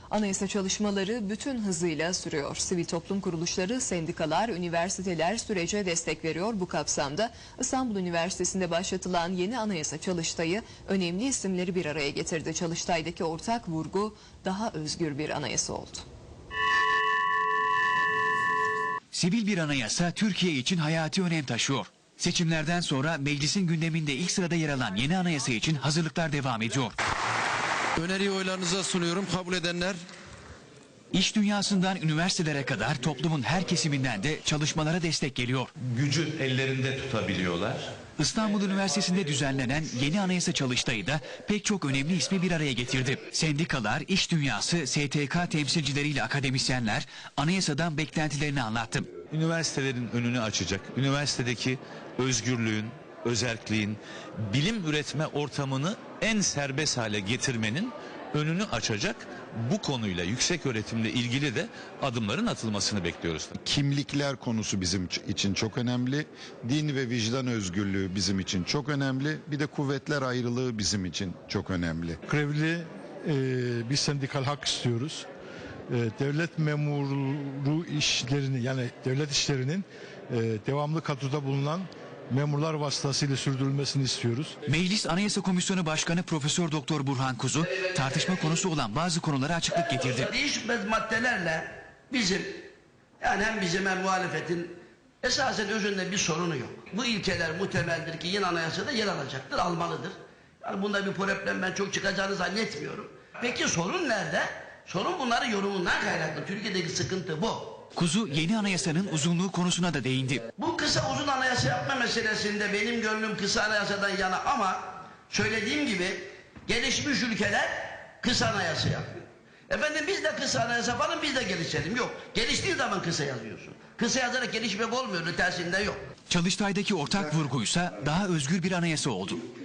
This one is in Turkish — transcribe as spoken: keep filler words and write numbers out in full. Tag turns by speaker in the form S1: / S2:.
S1: Anayasa çalışmaları bütün hızıyla sürüyor. Sivil toplum kuruluşları, sendikalar, üniversiteler sürece destek veriyor. Bu kapsamda İstanbul Üniversitesi'nde başlatılan yeni anayasa çalıştayı önemli isimleri bir araya getirdi. Çalıştay'daki ortak vurgu daha özgür bir anayasa oldu.
S2: Sivil bir anayasa Türkiye için hayati önem taşıyor. Seçimlerden sonra meclisin gündeminde ilk sırada yer alan yeni anayasa için hazırlıklar devam ediyor.
S3: Öneriyi oylarınıza sunuyorum. Kabul edenler.
S2: İş dünyasından üniversitelere kadar toplumun her kesiminden de çalışmalara destek geliyor.
S4: Gücü ellerinde tutabiliyorlar.
S2: İstanbul Üniversitesi'nde düzenlenen yeni anayasa çalıştayı da pek çok önemli ismi bir araya getirdi. Sendikalar, iş dünyası, S T K temsilcileriyle akademisyenler anayasadan beklentilerini anlattı.
S4: Üniversitelerin önünü açacak, üniversitedeki özgürlüğün, özerkliğin, bilim üretme ortamını en serbest hale getirmenin önünü açacak bu konuyla, yüksek öğretimle ilgili de adımların atılmasını bekliyoruz.
S5: Kimlikler konusu bizim için çok önemli. Din ve vicdan özgürlüğü bizim için çok önemli. Bir de kuvvetler ayrılığı bizim için çok önemli.
S6: Grevli e, bir sendikal hak istiyoruz. E, devlet memuru işlerini, yani devlet işlerinin e, devamlı kadroda bulunan memurlar vasıtasıyla sürdürülmesini istiyoruz.
S2: Meclis Anayasa Komisyonu Başkanı Profesör Doktor Burhan Kuzu tartışma konusu olan bazı konulara açıklık getirdi.
S7: Değişmez maddelerle bizim, yani hem bizim hem muhalefetin esasen özünde bir sorunu yok. Bu ilkeler muhtemeldir ki yeni anayasada yer alacaktır, almalıdır. Yani bunda bir problem ben çok çıkacağını zannetmiyorum. Peki sorun nerede? Sorun bunların yorumundan kaynaklı. Türkiye'deki sıkıntı bu.
S2: Kuzu yeni anayasanın uzunluğu konusuna da değindi.
S7: Bu kısa uzun anayasa yapma meselesinde benim gönlüm kısa anayasadan yana, ama söylediğim gibi gelişmiş ülkeler kısa anayasa yapıyor. Efendim biz de kısa anayasa yapalım, biz de gelişelim. Yok, geliştiği zaman kısa yazıyorsun. Kısa yazarak gelişmek olmuyor, ötesinde yok.
S2: Çalıştay'daki ortak vurguysa daha özgür bir anayasa oldu.